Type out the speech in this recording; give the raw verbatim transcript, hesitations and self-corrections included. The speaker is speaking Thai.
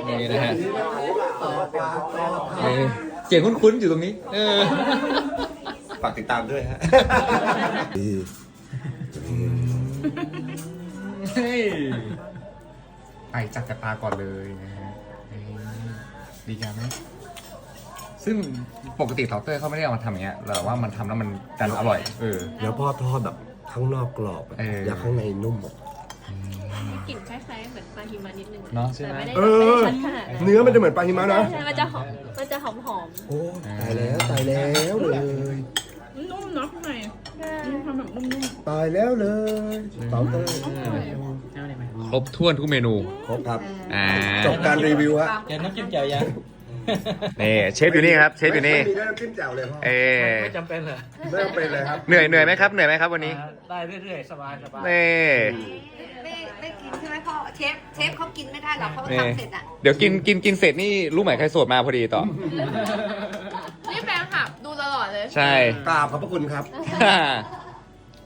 นี่นะฮะเสียงคุ้นๆอยู่ตรงนี้เออฝากติดตามด้วยฮะไปจัดกระตาก่อนเลยนะฮะดีจังไหมซึ่งปกติเตาเตอร์เขาไม่ได้เอามาทำอย่างเงี้ยแต่ว่ามันทำแล้วมันดันอร่อยเออแล้วพ่อทอดแบบข้างนอกกรอบอะเออแล้วข้างในนุ่มอะกลิ่นคล้ายๆเหมือนปลาหิมะนิดนึงเนอะใช่ไหมแต่ไม่ได้เอไม่อได้ชัดขนาดนั้นเนื้อมันจะเหมือนปลาหิมะนะใช่มันจะหอมมันจะหอมหอมโอ้ตายแล้วตายแล้วเลยนุ่มเนาะข้างในนุ่มทำแบบนุ่มตายแล้วเลยเตาเตอร์ครบถ้วนทุกเมนูครบครับอ่าจบการรีวิวฮะเดี๋ยวน้ำจิ้มแจ่วยังนี่เชฟอยู่นี่ครับเชฟอยู่นี่ไม่มีด้วยน้ำจิ้มแจ่วเลยพ่อเออไม่จำเป็นเหรอไม่ต้องเป็นเลยครับเหนื่อยเหนื่อยไหมครับเหนื่อยไหมครับวันนี้ได้เรื่อยๆ สบายสบายนี่ไม่ไม่กินใช่ไหมพ่อเชฟเชฟเขากินไม่ได้หรอกเขานี่ทำเสร็จอ่ะเดี๋ยวกินกินกินเสร็จนี่รู้ไหมใครโสดมาพอดีต่อนี่แฟนคลับดูตลอดเลยใช่กราบขอบพระคุณครับ